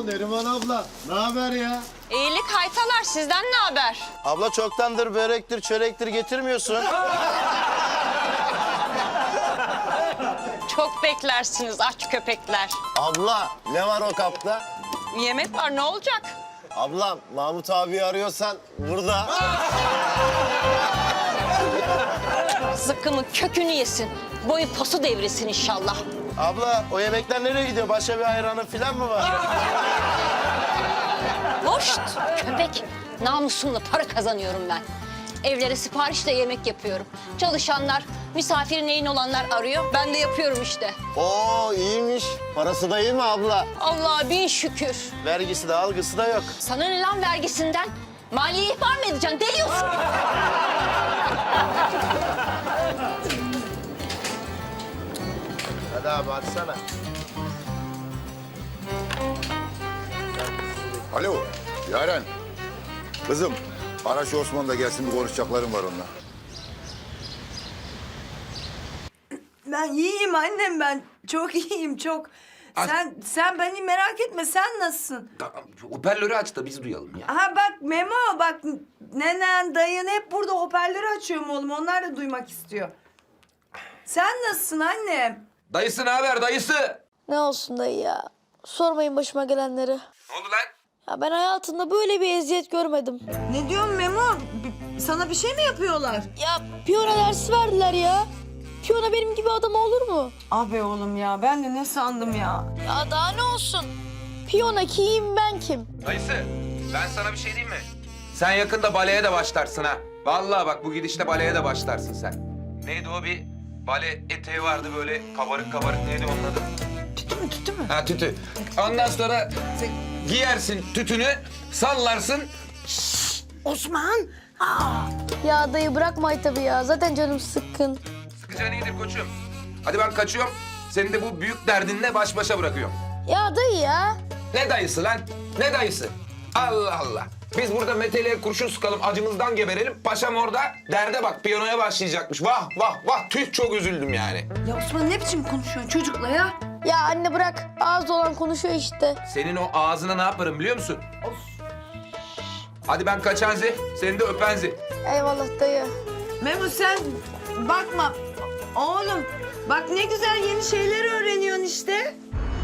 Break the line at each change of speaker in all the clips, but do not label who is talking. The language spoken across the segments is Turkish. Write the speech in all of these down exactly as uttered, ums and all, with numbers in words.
Oo Neriman abla, ne haber ya?
İyilik haytalar, sizden ne haber?
Abla çoktandır börektir, çörektir getirmiyorsun.
Çok beklersiniz aç köpekler.
Abla ne var o kapta?
Yemek var, ne olacak?
Ablam Mahmut abi arıyorsan burada.
Zıkkımın kökünü yesin. Boyu posu devresin inşallah.
Abla o yemekler nereye gidiyor? Başka bir ayranın falan mı var?
Hoşt köpek. Namusumla para kazanıyorum ben. Evlere siparişle yemek yapıyorum. Çalışanlar, misafiri neyin olanlar arıyor. Ben de yapıyorum işte.
Oo iyiymiş. Parası da iyi mi abla?
Allah'a bin şükür.
Vergisi de algısı da yok.
Sana ne lan vergisinden? Maliye ihbar mı edeceksin? Deliyorsun.
Hadi abi açsana.
Alo, Yaren. Kızım, ara şu Osman da gelsin, bir konuşacaklarım var onunla.
Ben iyiyim annem ben. Çok iyiyim çok. Sen sen beni merak etme. Sen nasılsın?
Tamam, hoparlörü aç da biz duyalım ya.
Ha bak Memo bak nenen dayın hep burada hoparlörü açıyorum oğlum. Onlar da duymak istiyor. Sen nasılsın annem?
Dayısı ne haber dayısı?
Ne olsun dayı ya. Sormayın başıma gelenleri.
Ne oldu lan?
Ya ben hayatımda böyle bir eziyet görmedim.
Ne diyorsun Memo? B- sana bir şey mi yapıyorlar?
Ya piyano dersi verdiler ya. Piyano benim gibi adam olur mu?
Abi oğlum ya ben de ne sandım ya?
Ya daha ne olsun? Piyano kim ben kim?
Dayısı, ben sana bir şey diyeyim mi? Sen yakında baleye de başlarsın ha. Vallahi bak bu gidişle baleye de başlarsın sen. Neydi o bir bale eteği vardı böyle kabarık kabarık, neydi onun adı?
Tütü mü tütü mü?
Ha tütü. Ondan sonra sen giyersin tütünü, sallarsın.
Osman. Aa.
Ya dayı bırakma tabii ya. Zaten canım sıkkın.
Sıkıcı iyidir koçum. Hadi ben kaçıyorum. Seni de bu büyük derdinle baş başa bırakıyorum.
Ya dayı ya.
Ne dayısı lan? Ne dayısı? Allah Allah. Biz burada meteliğe kurşun sıkalım, acımızdan geberelim. Paşam orada derde bak, piyanoya başlayacakmış. Vah vah vah, tüh çok üzüldüm yani.
Ya Osman ne biçim konuşuyorsun çocukla ya?
Ya anne bırak. Ağız olan konuşuyor işte.
Senin o ağzına ne yaparım biliyor musun? Hadi ben kaçanzi, seni de öpenzi.
Eyvallah dayı.
Memo sen bakma. Oğlum bak ne güzel yeni şeyler öğreniyorsun işte.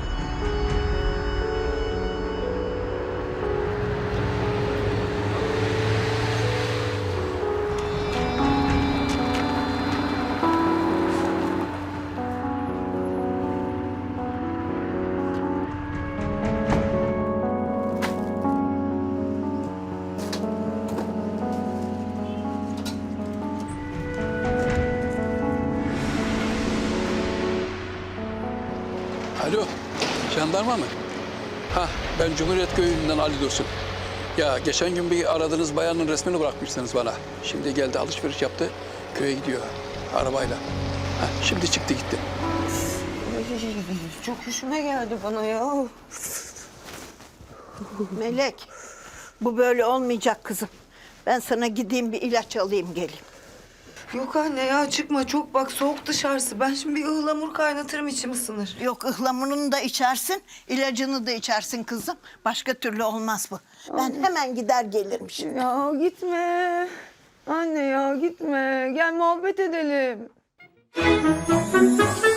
Alo, jandarma mı? Ha, ben Cumhuriyet Köyü'nden Ali Dursun. Ya geçen gün bir aradığınız bayanın resmini bırakmışsınız bana. Şimdi geldi alışveriş yaptı, köye gidiyor arabayla. Ha, şimdi çıktı gitti.
Çok hoşuma geldi bana ya.
Melek, bu böyle olmayacak kızım. Ben sana gideyim bir ilaç alayım geleyim.
Yok anne ya çıkma çok bak soğuk dışarısı. Ben şimdi bir ıhlamur kaynatırım içim ısınır.
Yok ıhlamurunu da içersin, ilacını da içersin kızım. Başka türlü olmaz bu. Ben hemen gider gelirim şimdi.
Ya gitme. Anne ya gitme. Gel muhabbet edelim.